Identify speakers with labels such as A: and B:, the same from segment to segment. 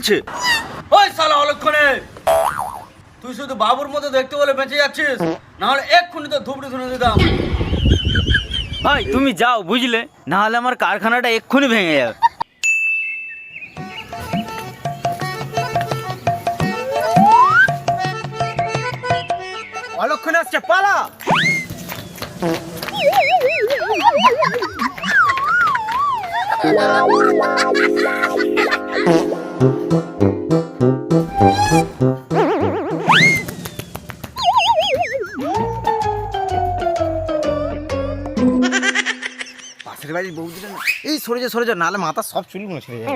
A: ওই শালা অলক্ষণে, তুই শুধু বাবুর মতো দেখতে বলে বেঁচে যাচ্ছিস, না হলে এক্ষুনি তো ধুবড়ি ধুনে দিতাম।
B: ভাই তুমি যাও বুঝলে, না হলে আমার কারখানাটা এক্ষুনি ভেঙে যাবে। অলক্ষণে আসছে, পালা। পাশের বাড়ির বৌদিটা না, এই সরে যা নাহলে মাথা সব চুলগুলো ছেড়ে যাবে।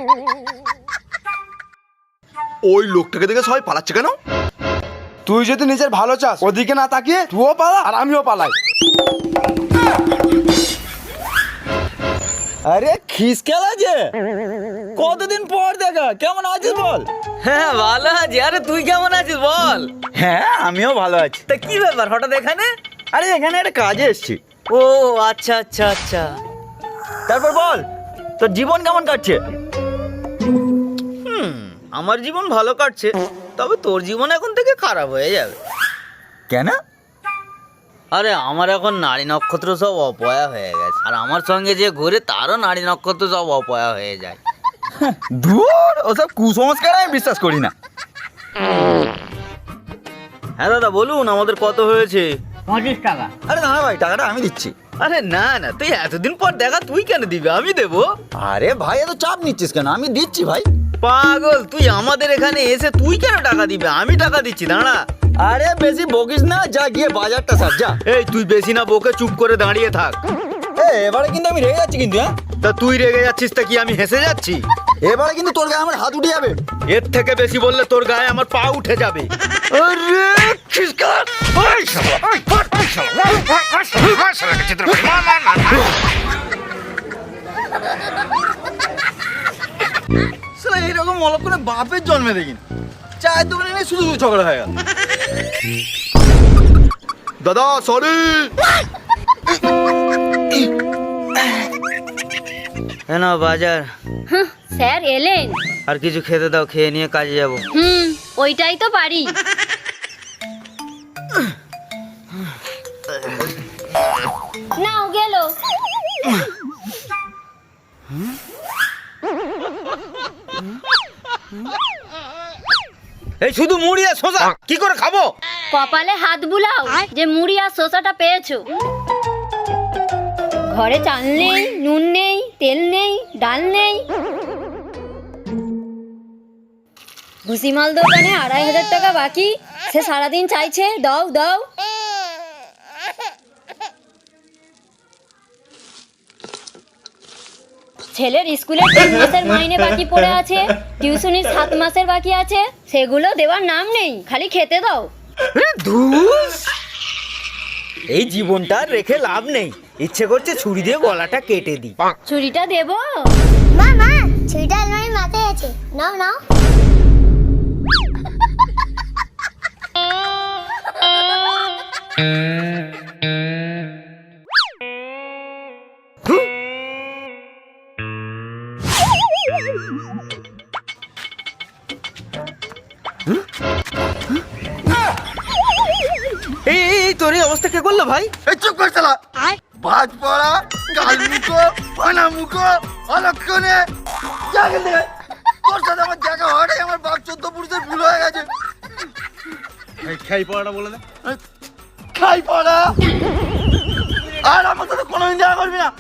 C: ওই লোকটাকে দেখে সবাই পালাচ্ছে কেন? তুই যদি নিজের ভালো চাস, ওদিকে না তাকিয়ে তুইও পালা আর আমিও পালাই।
B: আরে খিসকেল আছে, কতদিন পর দেখা, কেমন আছিস বল? হ্যাঁ ভালো আছি। আরে তুই কেমন আছিস বল? হ্যাঁ আমিও ভালো আছি। তা কি ব্যাপার হঠাৎ এখানে? আরে এখানে একটা কাজে এসেছি। ও আচ্ছা আচ্ছা আচ্ছা, তারপর বল তোর জীবন কেমন কাটছে? আমার জীবন ভালো কাটছে, তবে তোর জীবন এখন থেকে খারাপ হয়ে যাবে। কেন? আরে আমার এখন নারী নক্ষত্র সব অপয়া হয়ে গেছে, আর আমার সঙ্গে যে ঘুরে তারও নারী নক্ষত্র সব অপয়া হয়ে যায়। দূর, ওসব কুসংস্কার আমি বিশ্বাস করি না। হ্যাঁ দাদা বলুন, আমাদের কত হয়েছে?
A: 25 টাকা।
B: আরে না ভাই, টাকাটা আমি দিচ্ছি। আরে না না, তুই এতদিন পর দেখা, তুই কেন দিবি, আমি দেবো। আরে ভাই এত চাপ নিচ্ছিস কেন, আমি দিচ্ছি ভাই। পাগল, তুই আমাদের এখানে এসে তুই কেন টাকা দিবে, আমি টাকা দিচ্ছি, দাঁড়া। আরে বেশি বকিস না, যা গিয়ে বাজারটা সার যা। এই তুই বেশি না বকে চুপ করে দাঁড়িয়ে থাক। এবারে কিন্তু আমি রেগে যাচ্ছি কিন্তু। হ্যাঁ তা তুই রেগে যাচ্ছিস, তা কি আমি হেসে যাচ্ছি? এবারে কিন্তু তোর গায়ে আমার হাত উঠে যাবে। এর থেকে বেশি বললে তোর গায়ে আমার পা উঠে যাবে। আরে খিসকার, ওই শালা, ওই শালা, ওই শালাকে চিত্র মার। শালা এরকম অলক্ষণে বাপের জন্মে দেখিনি, চায়ের দোকানে নিয়ে শুধু ঝগড়া হয়ে গেল।
C: দাদা সরি।
B: কেন বাজার?
D: স্যার এলেন?
B: আর কিছু খেতে দাও, খেয়ে নিয়ে কাজে যাব।
D: ওইটাই তো পারি। নাও গেল।
B: এই শুধু মুড়ি আর শসা কি করে খাবো?
D: কপালে হাত বুলাও যে মুড়ি আর শসাটা পেয়েছো। ঘরে চাল নেই, নুন নেই, তেল নেই, ডাল নেই। ভুসিমাল দোকানে 2500 টাকা বাকি, সে সারাদিন চাইছে দাও দাও। ছেলের স্কুলের 3 মাসের মাইনে বাকি পড়ে আছে, টিউশনির 7 মাসের বাকি আছে, সেগুলো দেওয়ার নাম নেই, খালি খেতে দাও।
B: এই জীবনটা রেখে লাভ নেই, ইচ্ছে করছে ছুরি দিয়ে গলাটা কেটে দিই।
D: ছুরিটা দেবো?
E: মা মা, ছুরিটা আলমারির মাথায় আছে, নাও নাও।
B: এই তোর এই অবস্থা কে করলো ভাই?
C: এই চুপ কর শালা, বাজ পড়া গাল মুখো পানা মুখো অলক্ষণে। তোর সাথে আমার দেখা হওয়াটাই আমার বাপ 14 পুরুষের ভুল হয়ে গেছে।
A: খাই পড়াটা বলে দে।
C: খাই পড়া, আর আমার সাথে কোনোদিন দেখা করবি না।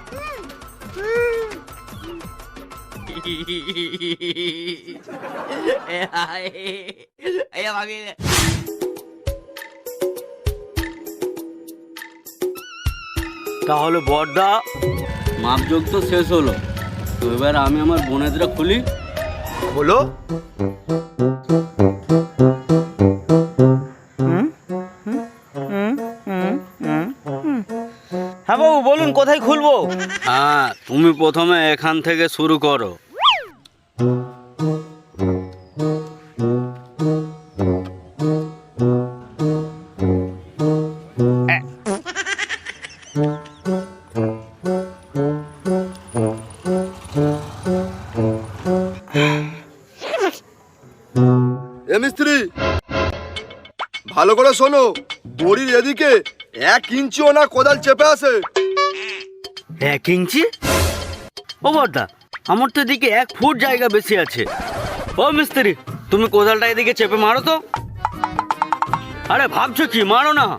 A: তাহলে বড়দা, মাপযোগ তো শেষ হলো, তো এবার আমি আমার বোনেদরা খুলি।
C: বলো।
B: হ্যাঁ বাবু বলুন, কোথায় খুলবো?
A: হ্যাঁ, তুমি প্রথমে এখান থেকে শুরু করো।
C: এ মিস্ত্রি, ভালো করে শোনো, দড়ির এদিকে 1 ইঞ্চিও না কোদাল চেপে আছে।
A: 1 ইঞ্চি? ও বড়দা, আমার তো এদিকে 1 ফুট জায়গা বেশি আছে। ও মিস্ত্রি, তুমি কোদালটা এদিকে চেপে মারো তো। আরে ভাবছো কি, মারো না।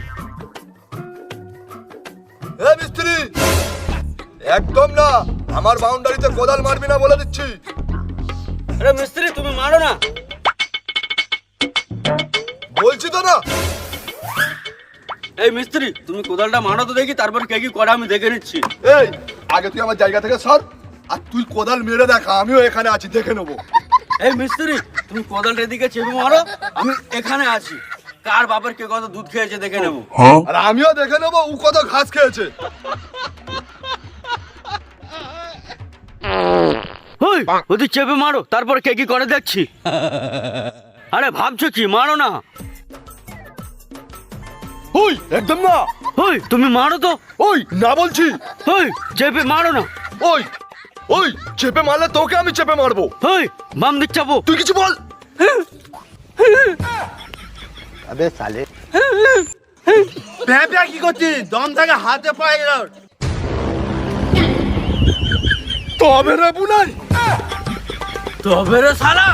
C: এ মিস্ত্রি, একদম না, আমার বাউন্ডারিতে কোদাল মারবি না বলে দিচ্ছি।
A: আরে মিস্ত্রি, তুমি মারো না।
C: বলছি তো না।
A: এই মিস্ত্রি, তুমি কোদালটা মারো তো দেখি, তারপর কে কি করে আমি দেখে নিচ্ছি।
C: এই, আগে তুই আমার জায়গা থেকে সর, আর তুই কোদাল মেরে দেখা, আমিও এখানে আছি, দেখে নেবো।
A: এই মিস্ত্রি, তুমি কোদালটা এদিকে চেপে মারো, আমি এখানে আছি। কার বাপের কে কত দুধ খেয়েছে দেখে নেবো।
C: আর আমিও দেখে নেবো ও কত ঘাস খেয়েছে।
A: ওই ওদের চেপে মারো, তারপর কে কি করে দেখছি। আরে ভাবছো কি, মারো না।
C: ওই একদম না।
A: ওই তুমি মারো তো।
C: ওই না বলছি।
A: ওই চেপে মারো না।
C: ওই ওই চেপে মারলে তোকে আমি চেপে মারবো।
A: ওই বাম দিক চাপো।
C: তুই কিছু বল।
B: আবে সালে,
A: প্যাঁ প্যাঁ কি করছিস? দম থাকে হাতে পায়ে গেল।
C: তবে রে বুনাই,
A: তবে রে শালা।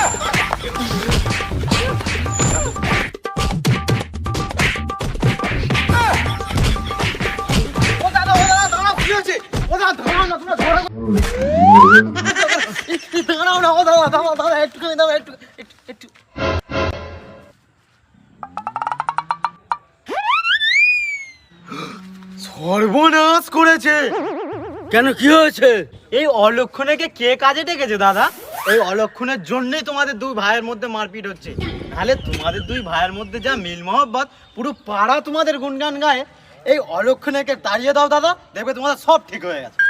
B: সর্বনাশ করেছে।
A: কেন, কি হয়েছে?
B: এই অলক্ষণেকে কে কাজে ডেকেছে দাদা? এই অলক্ষণের জন্যই তোমাদের দুই ভাইয়ের মধ্যে মারপিট হচ্ছে। তাহলে তোমাদের দুই ভাইয়ের মধ্যে যা মিল মহব্বত, পুরো পাড়া তোমাদের গুনগান গায়ে। এই অলক্ষণেকে তাড়িয়ে দাও দাদা, দেখবে তোমাদের সব ঠিক হয়ে গেছে।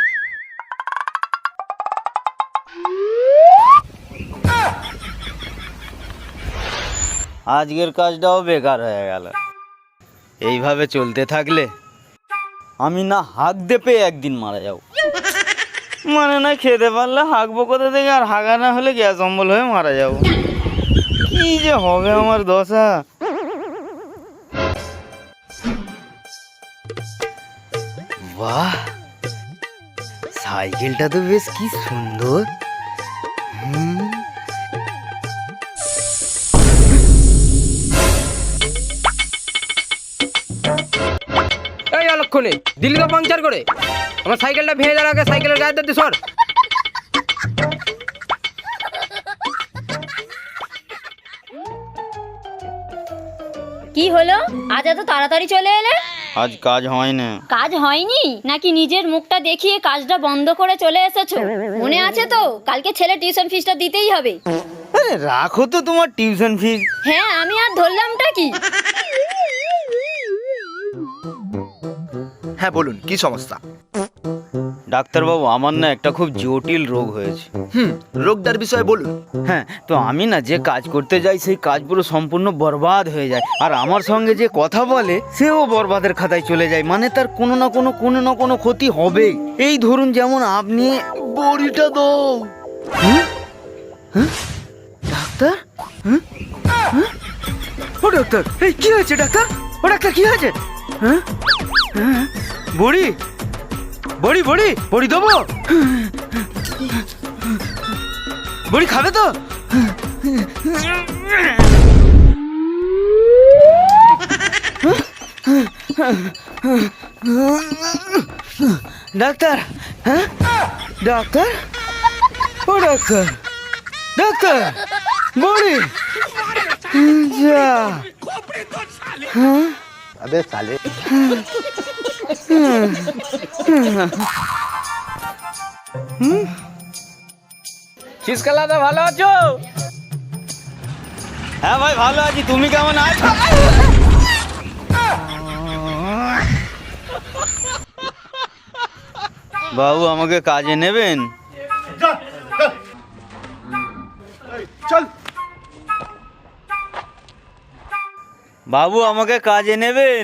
B: আজকের কাজটাও বেকার হয়ে গেল। এইভাবে চলতে থাকলে আমি না হাঁকতে পেয়ে একদিন মারা যাবো। মানে না খেতে পারলে হাঁকবো কোথা থেকে, আর হাঁকা না হলে গ্যাস অম্বল হয়ে মারা যাবো। কি যে হবে আমার দশা। বাহ, সাইকেলটা তো বেশ কি সুন্দর।
F: এই অলক্ষণে দিল্লি তো পাংচার করে আমার সাইকেলটা ভেঙে যাওয়ার আগে সাইকেলের গায়ে দিতে সর।
D: কি হলো, আজ এত তাড়াতাড়ি চলে এলে?
B: আজ কাজ হয় না।
D: কাজ হয়নি নাকি নিজের মুখটা দেখিয়ে কাজটা বন্ধ করে চলে এসেছো? মনে আছে তো, কালকে ছেলে টিউশন ফিসটা দিতেই হবে।
B: আরে রাখো তো তোমার টিউশন ফিস।
D: হ্যাঁ, আমি আর ধরলামটা কি?
C: হ্যাঁ বলুন, কি সমস্যা?
B: ডাক্তারবাবু, আমার না একটা খুব জটিল রোগ হয়েছে।
C: রোগটার বিষয়ে বলুন।
B: হ্যাঁ, তো আমি না যে কাজ করতে যাই সেই কাজ পুরো সম্পূর্ণ বরবাদ হয়ে যায়। আর আমার সঙ্গে যে কথা বলে সেও বরবাদের খাতায় চলে যায়। মানে তার কোনো না কোনো ক্ষতি হবেই। এই ধরুন যেমন আপনি বড়িটা দাও। ডাক্তার? ও ডাক্তার, এই কি হয়েছে ডাক্তার? ও ডাক্তার, কি হয়েছে? বড়ি বড়ি বড়ি বড়ি দেবো? বড়ি খাবে তো? ডাক্তার? হ্যাঁ ডাক্তার? ও ডাক্তার, ডাক্তার বড়ি যা। আবে সালে,
F: শীতকালাদা ভালো আছো?
B: হ্যাঁ ভাই ভালো আছি, তুমি কেমন আছো? বাবু আমাকে কাজে নেবেন?
C: চল।
B: বাবু আমাকে কাজে নেবেন?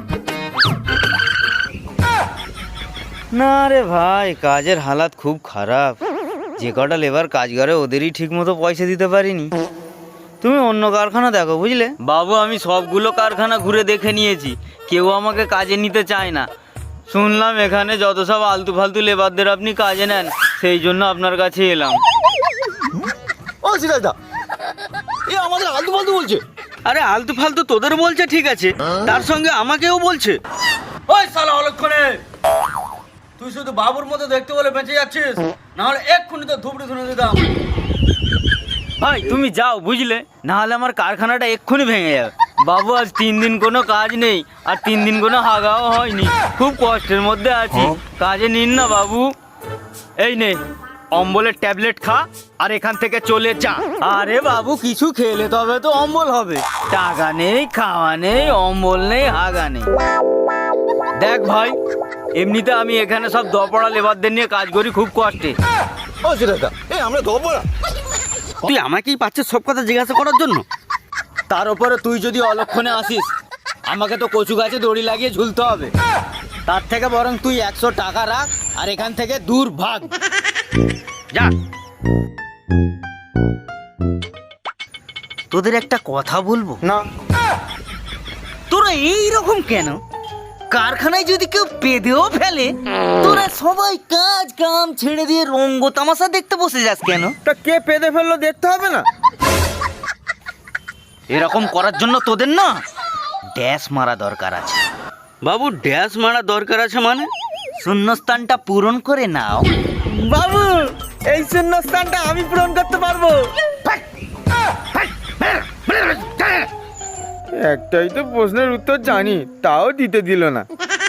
B: না রে ভাই, কাজের হালাত খুব খারাপ। যে কটা লেবার কাজ করে ওদেরই ঠিক মতো পয়সা দিতে পারিনি। তুমি অন্য কারখানা দেখো, বুঝলে বাবু। আমি সবগুলো কারখানা ঘুরে দেখে নিয়েছি, কেউ আমাকে কাজে নিতে চায় না। শুনলাম এখানে যত সব আলতু ফালতু লেবারদের আপনি কাজে নেন, সেই জন্য আপনার কাছে এলাম।
G: ও সিরাজদা, এ আমাদের আলতু ফালতু বলছে।
A: আরে আলতু ফালতু তোদের বলছে ঠিক আছে, তার সঙ্গে আমাকেও বলছে। ওই শালা অলক্ষণে, তুই শুধু বাবুর মতো দেখতে বলে বেঁচে যাচ্ছিস, না হলে এক্ষুনি তো ধুবড়ি ধুনে দিতাম।
B: ভাই তুমি যাও, বুঝলে, না হলে আমার কারখানাটা এক্ষুনি ভেঙে যাবে। বাবু আজ 3 দিন কোনো কাজ নেই, আর 3 দিন কোনো হাগাও হয়নি, খুব কষ্টের মধ্যে আছি। কাজে নিন না বাবু। এই নে অম্বলের ট্যাবলেট খা, আর এখান থেকে চলে যা। আরে বাবু, কিছু খেলে তবে তো অম্বল হবে। টাকা নেই, খাওয়া নেই, অম্বল নেই, হাগা নেই। দেখ ভাই, এমনিতে আমি এখানে সব দপড়া লেবারদের নিয়ে কাজ করি খুব কষ্টে।
G: ও সিরাজদা, এ আমরা দবরা।
A: তুই আমাকেই পাচ্ছিস সব কথা জিজ্ঞাসা করার জন্য?
B: তার উপরে তুই যদি অলক্ষণে আসিস, আমাকে তো কচু গাছে দড়ি লাগিয়ে ঝুলতে হবে। তার থেকে বরং তুই 100 টাকা রাখ, আর এখান থেকে দূর ভাগ।
A: যা।
B: তোদের একটা কথা বলবো
C: না,
B: তোরা এইরকম কেন? কারখানায় যদি কেউ পেদেও ফেলে, তোরা সবাই কাজ কাম ছেড়ে দিয়ে রঙ্গ তামাশা দেখতে বসে যাস কেন?
C: তা কে পেদে ফেললো দেখতে হবে না?
B: এরকম করার জন্য তোদের না ড্যাশ মারা দরকার আছে।
A: বাবু ড্যাশ মারা দরকার আছে মানে?
B: শূন্যস্থানটা পূরণ করে নাও।
C: বাবু, এই শূন্যস্থানটা আমি পূরণ করতে পারবো। একটাই তো প্রশ্নের উত্তর জানি, তাও দিতে দিল না।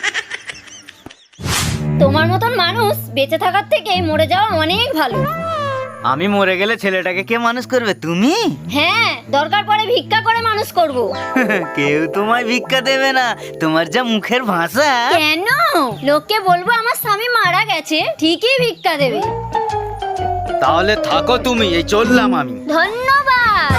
D: তোমার মতন মানুষ বেঁচে থাকার থেকে মরে যাওয়া অনেক ভালো।
B: আমি মরে গেলে ছেলেটাকে কে মানুষ করবে? তুমি?
D: হ্যাঁ, দরকার পড়ে ভিক্ষা করে মানুষ করব।
B: কেউ তোমায় ভিক্ষা দেবে না, তোমার যা মুখের ভাষা।
D: কেন? লোককে বলবো আমার স্বামী মারা গেছে, ঠিকই ভিক্ষা দেবে।
B: তাহলে থাকো তুমি, এই চললাম আমি।
D: ধন্যবাদ।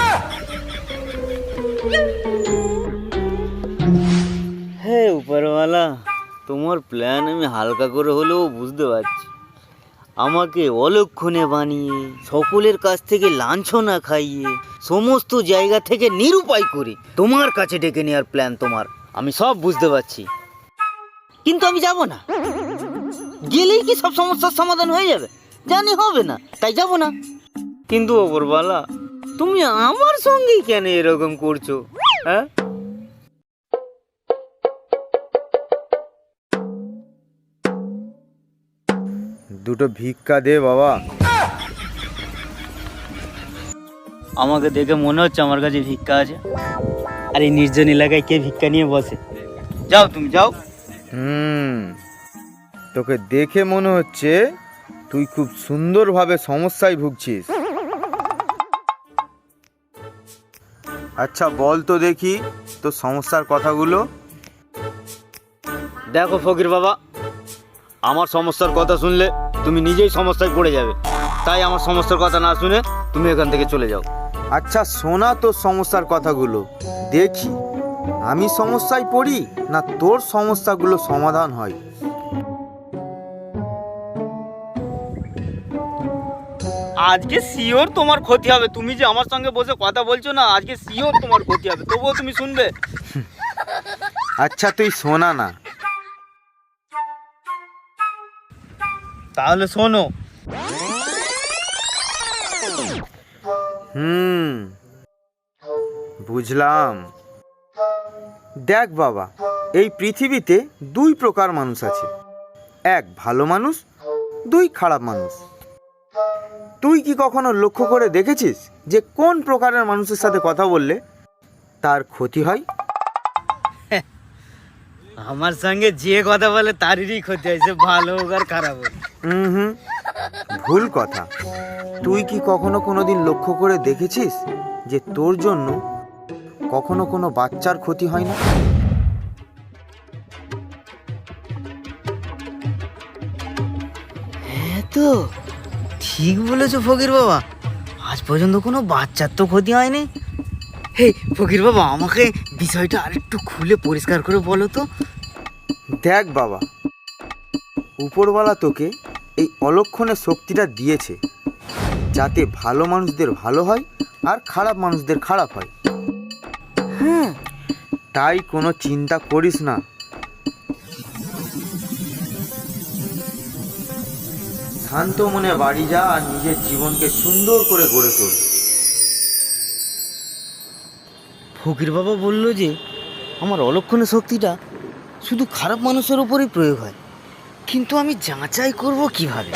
B: হে উপরওয়ালা, তোমার প্ল্যান আমি হালকা করে হলেও বুঝতে পারছি। আমাকে অলক্ষণে বানিয়ে, সকলের কাছ থেকে লাঞ্ছনা খাইয়ে, সমস্ত জায়গা থেকে নিরুপায় করে তোমার কাছে ডেকে নেওয়ার প্ল্যান তোমার, আমি সব বুঝতে পারছি। কিন্তু আমি যাব না। গেলেই কি সব সমস্যার সমাধান হয়ে যাবে? জানি হবে না, তাই যাব না। কিন্তু ওপরওয়ালা, তুমি আমার সঙ্গেই কেন এরকম করছো? হ্যাঁ,
C: দুটো ভিক্ষা দে বাবা।
B: আমাকে দেখে মনে হচ্ছে আমার কাছে ভিক্ষা আছে। আর এই নির্জন এলাকায় কে ভিক্ষা নিয়ে বসে? যাও তুমি যাও।
C: তোকে দেখে মনে হচ্ছে তুই খুব সুন্দরভাবে সমস্যায় ভুগছিস। আচ্ছা বল তো দেখি তোর সমস্যার কথাগুলো।
B: দেখো ফকির বাবা, আমার সমস্যার কথা শুনলে তুমি নিজেই সমস্যায় পড়ে যাবে। তাই আমার সমস্যার কথা না শুনে তুমি এখান থেকে চলে যাও।
C: আচ্ছা শোনা তোর সমস্যার কথাগুলো, দেখি আমি সমস্যায় পড়ি না তোর সমস্যাগুলো সমাধান হয়।
B: আজকে শিওর তোমার ক্ষতি হবে। তুমি যে আমার সঙ্গে বসে কথা বলছো না, আজকে শিওর তোমার ক্ষতি হবে, তবুও তুমি শুনবে?
C: আচ্ছা তুই শোনা না।
B: তাহলে শোনো।
C: বুঝলাম। দেখ বাবা, এই পৃথিবীতে 2 প্রকার মানুষ আছে, 1 ভালো মানুষ, 2 খারাপ মানুষ। তুই কি কখনো লক্ষ্য করে দেখেছিস যে কোন প্রকারের মানুষের সাথে কথা বললে তার ক্ষতি হয়?
B: আমার সঙ্গে যে কথা বলে তারই ক্ষতি হয়, সে ভালো হোক আর খারাপ হোক।
C: ভুল কথা। তুই কি কখনো কোনোদিন লক্ষ্য করে দেখেছিস যে তোর জন্য কখনো কোনো বাচ্চার ক্ষতি হয় না?
B: হ্যাঁ তো, ঠিক বলেছো ফকির বাবা, আজ পর্যন্ত কোনো বাচ্চার তো ক্ষতি হয়নি। হে ফকির বাবা, আমাকে বিষয়টা আরেকটু খুলে পরিষ্কার করে বলো তো।
C: দেখ বাবা, উপরওয়ালা তোকে এই অলক্ষণের শক্তিটা দিয়েছে, যাতে ভালো মানুষদের ভালো হয় আর খারাপ মানুষদের খারাপ হয়। তাই কোনো চিন্তা করিস না। শান্ত মনে বাড়ি যা আর নিজের জীবনকে সুন্দর করে গড়ে তোল।
B: ফকির বাবা বলল যে আমার অলক্ষণের শক্তিটা শুধু খারাপ মানুষের উপরেই প্রয়োগ হয়, কিন্তু আমি যাচাই করব কিভাবে?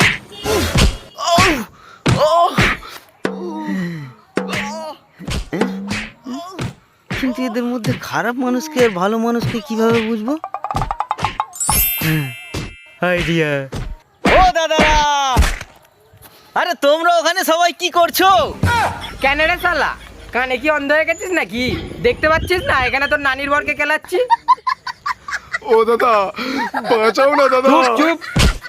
B: কিন্তু এদের মধ্যে খারাপ মানুষকে আর ভালো মানুষকে কিভাবে বুঝবো? আইডিয়া। ও দাদারা, আরে তোমরা ওখানে সবাই কি করছো?
F: কেন রে শালা, কানে কি অন্ধ হয়ে গেছিস নাকি? দেখতে পাচ্ছিস না এখানে তোর নানির বরকে খেলাচ্ছি?
H: ও দাদা, বাঁচাও না দাদা।
F: চুপ চুপ।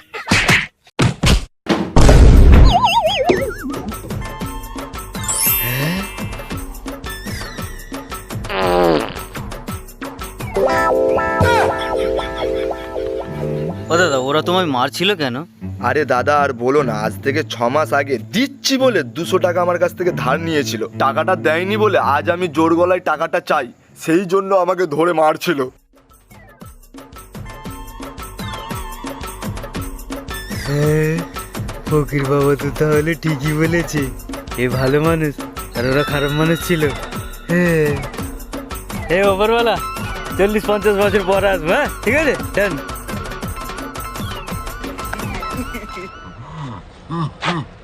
B: ও দাদা, ওরা তোমায় মারছিল কেন?
H: আরে দাদা আর বলো না, আজ থেকে 6 মাস আগে দিচ্ছি বলে 200 টাকা আমার কাছ থেকে ধার নিয়েছিল। টাকাটা দেয়নি বলে আজ আমি জোর গলায় টাকাটা চাই, সেই জন্য আমাকে ধরে মারছিল।
B: ফকির বাবা তো তাহলে ঠিকই বলেছে, এ ভালো মানুষ আর ওরা খারাপ মানুষ ছিল। হ্যাঁ ওপরওয়ালা, 40-50 বছর পর আসবো। হ্যাঁ ঠিক আছে, চল।